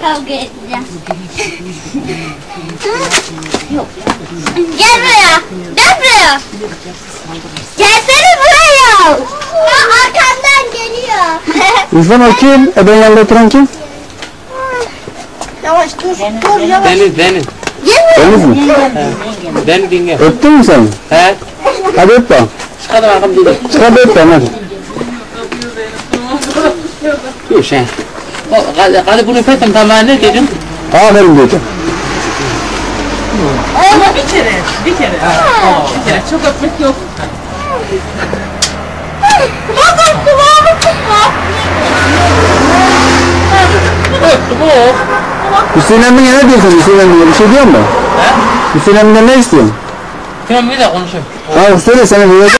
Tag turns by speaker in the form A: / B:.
A: kavga edeceğim. Gel buraya. Gel buraya. Gelsene buraya. Arkamdan geliyor.
B: İrfan o kim? Ben yanında oturan kim?
A: Yavaş dur. Dur yavaş.
C: Deniz.
B: Deniz mi?
C: Deniz dinle.
B: Öptün mü sen?
C: He.
B: Hadi öp bana.
C: Çıkalım bakalım dedim.
B: Çıkar öp bana hadi.
C: Dur sen. Hadi bunu fetem tamam ne dedim?
B: Aferin diyeceğim.
D: Ama bir kere. Bir kere. Çok öpmek yok.
C: Öptüm o.
B: Hüseyin emmiye ne diyorsun Hüseyin emmiye? Bir şey diyor mu?
C: He?
B: Hüseyin emmiye ne istiyorsun?
C: Tamam bir de konuşayım.
B: Ha söyle sana